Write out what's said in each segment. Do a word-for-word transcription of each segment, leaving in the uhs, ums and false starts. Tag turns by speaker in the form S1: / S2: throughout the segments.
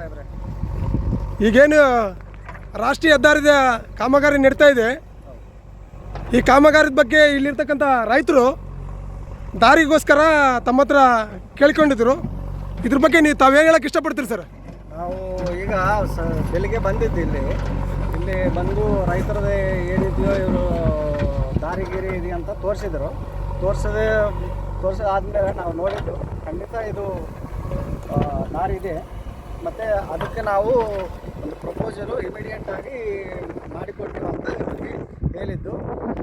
S1: ಸಾಹೇಬ್ರೆ.
S2: ಈಗೇನು ರಾಷ್ಟ್ರೀಯ ಹೆದ್ದಾರಿದ ಕಾಮಗಾರಿ ನಡೀತಾ ಇದೆ, ಈ ಕಾಮಗಾರಿದ ಬಗ್ಗೆ ಇಲ್ಲಿರ್ತಕ್ಕಂಥ ರೈತರು ದಾರಿಗೋಸ್ಕರ ತಮ್ಮ ಹತ್ರ ಕೇಳ್ಕೊಂಡಿದ್ರು. ಇದ್ರ ಬಗ್ಗೆ ನೀವು ತಾವೇನು ಹೇಳಕ್ಕೆ ಇಷ್ಟಪಡ್ತೀರಿ ಸರ್?
S1: ನಾವು ಈಗ ಸ ಬೆಳಿಗ್ಗೆ ಬಂದಿದ್ದು ಇಲ್ಲಿ ಇಲ್ಲಿ ಬಂದು ರೈತರದೇ ಏನಿದೆಯೋ ಇವರು ದಾರಿಗಿರಿ ಇದೆ ಅಂತ ತೋರಿಸಿದ್ರು. ತೋರಿಸದೆ ತೋರಿಸಿದಾದ್ಮೇಲೆ ನಾವು ನೋಡಿದ್ದು ಖಂಡಿತ ಇದು ದಾರಿ ಇದೆ. ಮತ್ತು ಅದಕ್ಕೆ ನಾವು ಒಂದು ಪ್ರಪೋಸಲು ಇಮಿಡಿಯೇಟಾಗಿ ಮಾಡಿಕೊಡ್ತೀವಿ ಅಂತ ಇವ್ರಿಗೆ ಹೇಳಿದ್ದು.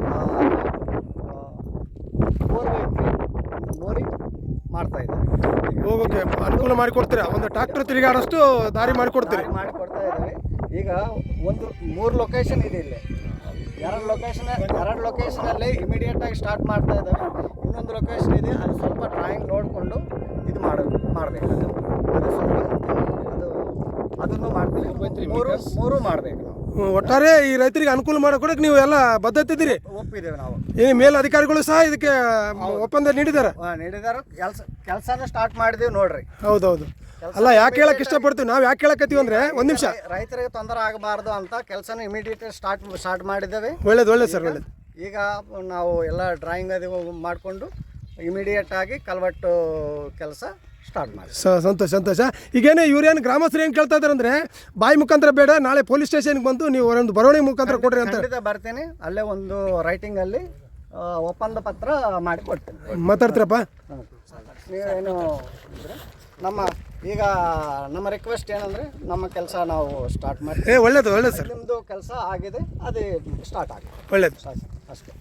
S1: ಒಂದು ಮೋರಿ ಮಾಡ್ತಾ ಇದ್ದಾರೆ,
S2: ಹೋಗೋಕ್ಕೆ ಅನುಕೂಲ ಮಾಡಿಕೊಡ್ತೀರಾ? ಒಂದು ಟ್ರಾಕ್ಟರ್ ತಿರುಗಾಡೋಷ್ಟು ದಾರಿ ಮಾಡಿಕೊಡ್ತೀರಿ?
S1: ಮಾಡಿಕೊಡ್ತಾ ಇದ್ದೀವಿ. ಈಗ ಒಂದು ಮೂರು ಲೊಕೇಶನ್ ಇದೆ ಇಲ್ಲಿ. ಎರಡು ಲೊಕೇಶನ್ ಎರಡು ಲೊಕೇಶನಲ್ಲಿ ಇಮಿಡಿಯೇಟಾಗಿ ಸ್ಟಾರ್ಟ್ ಮಾಡ್ತಾ ಇದ್ದಾವೆ. ಇನ್ನೊಂದು ಲೊಕೇಶನ್ ಇದೆ, ಅದು ಸ್ವಲ್ಪ ಡ್ರಾಯಿಂಗ್ ನೋಡಿಕೊಂಡು ಇದು ಮಾಡ ಮಾಡಬೇಕು. ಅದು ಸ್ವಲ್ಪ ಅದು ಅದನ್ನು ಮಾಡ್ತೀವಿ. ಮೂರು ಮೂರು ಮಾಡಬೇಕು ನಾವು.
S2: ಒಟ್ಟಾರೆ ಈ ರೈತರಿಗೆ ಅನುಕೂಲ ಮಾಡಿಕೊಡಕ್ಕೆ ನೀವು ಎಲ್ಲ ಬದ್ಧತೆ ಇದ್ದೀರಿ?
S1: ಒಪ್ಪಿದ್ದೇವೆ ನಾವು.
S2: ಈ ಮೇಲ್ ಅಧಿಕಾರಿಗಳು ಸಹ ಇದಕ್ಕೆ ಒಪ್ಪಂದ ನೀಡಿದ್ದಾರೆ?
S1: ನೀಡಿದ್ದಾರೆ. ಕೆಲಸ ಕೆಲಸನ ಸ್ಟಾರ್ಟ್ ಮಾಡಿದೀವಿ ನೋಡ್ರಿ.
S2: ಹೌದೌದು. ಅಲ್ಲ, ಯಾಕೆ ಹೇಳಕ್ಕೆ ಇಷ್ಟಪಡ್ತೀವಿ ನಾವು, ಯಾಕೆ ಹೇಳಕತ್ತೀವಿ ಅಂದರೆ ಒಂದು ನಿಮಿಷ,
S1: ರೈತರಿಗೆ ತೊಂದರೆ ಆಗಬಾರ್ದು ಅಂತ ಕೆಲಸನ ಇಮಿಡಿಯೇಟ್ ಸ್ಟಾರ್ಟ್ ಸ್ಟಾರ್ಟ್ ಮಾಡಿದ್ದೇವೆ.
S2: ಒಳ್ಳೇದು ಒಳ್ಳೇದು ಸರ್, ಒಳ್ಳೇದು.
S1: ಈಗ ನಾವು ಎಲ್ಲ ಡ್ರಾಯಿಂಗ್ ಅದು ಮಾಡಿಕೊಂಡು ಇಮಿಡಿಯೇಟ್ ಆಗಿ ಕಲ್ವಟ್ಟು ಕೆಲಸ ಸ್ಟಾರ್ಟ್ ಮಾಡಿ.
S2: ಸಂತೋಷ ಸಂತೋಷ. ಈಗೇನೇ ಇವ್ರೇನು ಗ್ರಾಮಸ್ಥರು ಏನು ಕೇಳ್ತಾ ಇದ್ದಾರೆ ಅಂದರೆ, ಬಾಯಿ ಮುಖಾಂತರ ಬೇಡ, ನಾಳೆ ಪೊಲೀಸ್ ಸ್ಟೇಷನ್ಗೆ ಬಂದು ನೀವು ಒಂದು ಬರವಣಿಗೆ ಮುಖಾಂತರ ಕೊಡ್ರಿ ಅಂತ.
S1: ಖಂಡಿತ ಬರ್ತೀನಿ. ಅಲ್ಲೇ ಒಂದು ರೈಟಿಂಗಲ್ಲಿ ಒಪ್ಪಂದ ಪತ್ರ ಮಾಡಿ ಕೊಡ್ತೀನಿ.
S2: ಮಾತಾಡ್ತೀರಪ್ಪ?
S1: ನೀವೇನು ನಮ್ಮ ಈಗ ನಮ್ಮ ರಿಕ್ವೆಸ್ಟ್ ಏನಂದರೆ, ನಮ್ಮ ಕೆಲಸ ನಾವು ಸ್ಟಾರ್ಟ್ ಮಾಡಿ.
S2: ಏ ಒಳ್ಳೇದು ಒಳ್ಳೇದು ಸರ್.
S1: ನಿಮ್ಮದು ಕೆಲಸ ಆಗಿದೆ, ಅದೇ ಸ್ಟಾರ್ಟ್ ಆಗಿದೆ.
S2: ಒಳ್ಳೇದು
S1: ಅಷ್ಟೇ.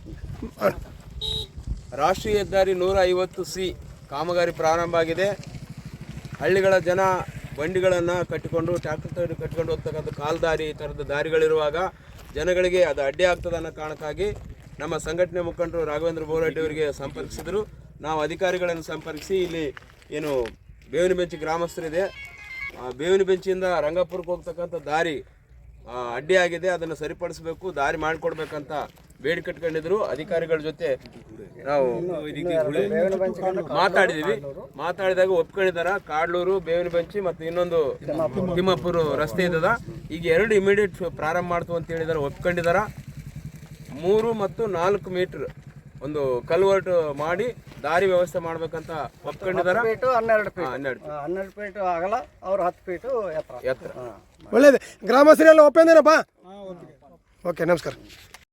S3: ರಾಷ್ಟ್ರೀಯ ಹೆದ್ದಾರಿ ನೂರ ಐವತ್ತು ಸಿ ಕಾಮಗಾರಿ ಪ್ರಾರಂಭ ಆಗಿದೆ. ಹಳ್ಳಿಗಳ ಜನ ಬಂಡಿಗಳನ್ನು ಕಟ್ಟಿಕೊಂಡು ಟ್ರ್ಯಾಕ್ಟರ್ ತಗೊಂಡು ಕಟ್ಟಿಕೊಂಡು ಹೋಗ್ತಕ್ಕಂಥ ಕಾಲ್ದಾರಿ ಈ ಥರದ ದಾರಿಗಳಿರುವಾಗ ಜನಗಳಿಗೆ ಅದು ಅಡ್ಡಿ ಆಗ್ತದೆ ಅನ್ನೋ ಕಾರಣಕ್ಕಾಗಿ ನಮ್ಮ ಸಂಘಟನೆ ಮುಖಂಡರು ರಾಘವೇಂದ್ರ ಬೋರಡ್ಡಿ ಅವರಿಗೆ ಸಂಪರ್ಕಿಸಿದರು. ನಾವು ಅಧಿಕಾರಿಗಳನ್ನು ಸಂಪರ್ಕಿಸಿ ಇಲ್ಲಿ ಏನು ಬೇವಿನ ಬೆಂಚಿ ಗ್ರಾಮಸ್ಥರಿದೆ, ಬೇವಿನ ಬೆಂಚಿಯಿಂದ ರಂಗಪುರಕ್ಕೆ ಹೋಗ್ತಕ್ಕಂಥ ದಾರಿ ಅಡ್ಡಿ ಆಗಿದೆ, ಅದನ್ನು ಸರಿಪಡಿಸಬೇಕು, ದಾರಿ ಮಾಡಿಕೊಡ್ಬೇಕಂತ ಬೇಡಿ ಕಟ್ಕೊಂಡಿದ್ರು. ಅಧಿಕಾರಿಗಳ ಜೊತೆ ನಾವು ಮಾತಾಡಿದ್ದೀವಿ. ಮಾತಾಡಿದಾಗ ಒಪ್ಕೊಂಡಿದ್ದಾರೆ. ಕಾಡ್ಲೂರು, ಬೇವಿನ ಬೆಂಚಿ ಮತ್ತು ಇನ್ನೊಂದು ತಿಮ್ಮಾಪುರ ರಸ್ತೆ ಇದ್ದದ, ಈಗ ಎರಡು ಇಮಿಡಿಯೇಟ್ ಪ್ರಾರಂಭ ಮಾಡ್ತು ಅಂತ ಹೇಳಿದ್ದಾರೆ, ಒಪ್ಕೊಂಡಿದ್ದಾರೆ. ಮೂರು ಮತ್ತು ನಾಲ್ಕು ಮೀಟ್ರ್ ಒಂದು ಕಲ್ವರ್ಟ್ ಮಾಡಿ ದಾರಿ ವ್ಯವಸ್ಥೆ ಮಾಡ್ಬೇಕಂತ ಒಪ್ಕೊಂಡಿದ್ದಾರೆ.
S1: ಹನ್ನೆರಡು ಫೀಟ್ ಹನ್ನೆರಡು ಹನ್ನೆರಡು ಫೀಟ್ ಆಗಲ್ಲ, ಅವ್ರು ಹತ್ತು ಫೀಟು ಎತ್ತರ
S2: ಎತ್ತರ. ಒಳ್ಳೇದು. ಗ್ರಾಮಸ್ಥರೆಲ್ಲ ಒಪ್ಪಂದೇನಪ್ಪ? ಓಕೆ, ನಮಸ್ಕಾರ.